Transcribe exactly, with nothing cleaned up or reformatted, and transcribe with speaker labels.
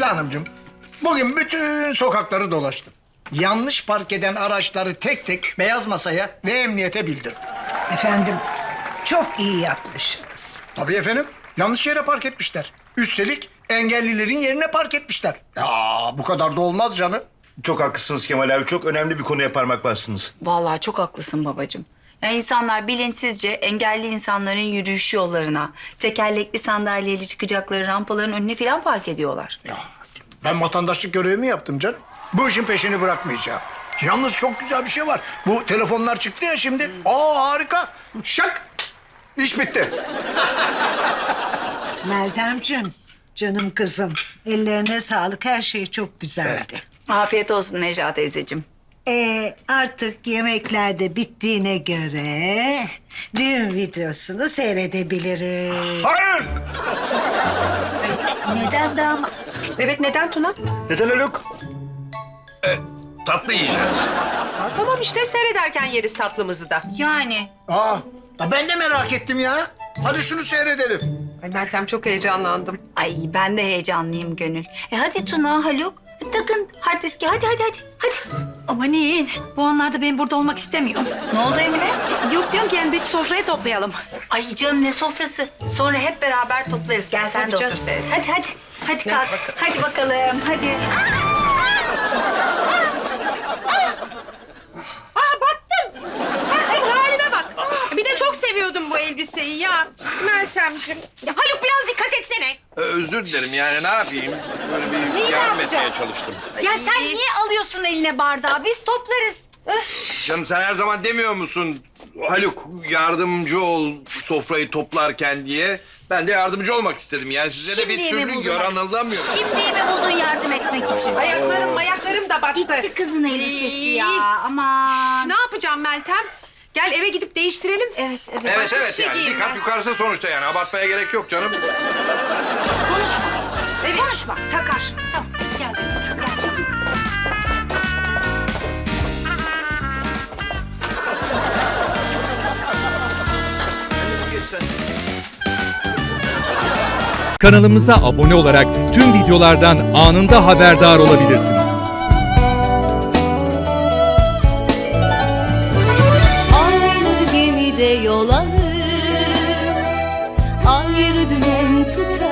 Speaker 1: Hanımcığım, bugün bütün sokakları dolaştım. Yanlış park eden araçları tek tek beyaz masaya ve emniyete bildirdim.
Speaker 2: Efendim, çok iyi yapmışsınız.
Speaker 1: Tabii efendim, yanlış yere park etmişler. Üstelik engellilerin yerine park etmişler. Ya bu kadar da olmaz canım.
Speaker 3: Çok haklısınız Kemal abi. Çok önemli bir konuya parmak bastınız.
Speaker 4: Vallahi çok haklısın babacığım. Yani insanlar bilinçsizce engelli insanların yürüyüş yollarına, tekerlekli sandalyeli çıkacakları rampaların önüne falan park ediyorlar.
Speaker 1: Ya ben vatandaşlık görevimi yaptım canım. Bu işin peşini bırakmayacağım. Yalnız çok güzel bir şey var. Bu telefonlar çıktı ya şimdi. Aa harika. Şak. İş bitti.
Speaker 2: Meltemciğim, canım kızım. Ellerine sağlık, her şey çok güzeldi.
Speaker 4: Afiyet olsun Necla teyzeciğim.
Speaker 2: Ee, artık yemekler de bittiğine göre düğün videosunu seyredebiliriz.
Speaker 3: Hayır!
Speaker 2: Neden damat?
Speaker 5: Evet, neden Tuna?
Speaker 3: Neden Haluk?
Speaker 6: Tatlı yiyeceğiz.
Speaker 5: Aa, tamam işte, seyrederken yeriz tatlımızı da.
Speaker 4: Yani
Speaker 1: Aa, ya ben de merak ettim ya. Hadi şunu seyredelim.
Speaker 5: Ay Meltem, çok heyecanlandım.
Speaker 4: ay ben de heyecanlıyım Gönül. E hadi Tuna, Haluk takın hard diski hadi hadi hadi. Hadi.
Speaker 7: Amanın, bu anlarda ben burada olmak istemiyorum.
Speaker 4: Ne oldu Emine?
Speaker 7: Yok diyorum ki yani bir sofrayı toplayalım.
Speaker 4: Ay canım ne sofrası. Sonra hep beraber toplarız. Gel sen de
Speaker 5: Tabii canım.
Speaker 4: otur seyret. Hadi hadi. Hadi kalk. Hadi bakalım. Hadi.
Speaker 5: Aa, battım. Ha, ay, halime bak. Bir de çok seviyordum bu elbiseyi ya. Meltemciğim. Ya Haluk, biraz dikkat etsene.
Speaker 6: Ee, özür dilerim yani ne yapayım? Böyle bir
Speaker 5: Neyi
Speaker 6: yardım
Speaker 5: ne
Speaker 6: etmeye
Speaker 5: yapacağım?
Speaker 6: çalıştım.
Speaker 4: Ya sen niye alıyorsun eline bardağı? Biz toplarız. Öf.
Speaker 6: Canım sen her zaman demiyor musun? Haluk yardımcı ol sofrayı toplarken diye. Ben de yardımcı olmak istedim. Yani size de bir
Speaker 4: Şimdi mi
Speaker 6: türlü
Speaker 4: buldun?
Speaker 6: yaranılamıyorum.
Speaker 4: Şimdi mi buldun yardım etmek için?
Speaker 5: Ayaklarım ayaklarım da battı.
Speaker 4: Gitti kızın elbisesi
Speaker 5: Ay.
Speaker 4: ya. Aman.
Speaker 5: Ne yapacağım Meltem? Gel eve gidip değiştirelim.
Speaker 4: Evet, evet.
Speaker 6: Evet
Speaker 5: Başka bir
Speaker 6: evet
Speaker 5: şey
Speaker 6: yani
Speaker 5: giyeyim
Speaker 6: bir kat
Speaker 5: ben.
Speaker 6: yukarısı sonuçta yani abartmaya gerek yok canım.
Speaker 4: Konuşma. Evet. Konuşma. Sakar. Tamam. Gel. Sakarcığım.
Speaker 8: Kanalımıza abone olarak tüm videolardan anında haberdar olabilirsiniz.
Speaker 9: Aynı gemide yol alır, ayrı dümen tutar.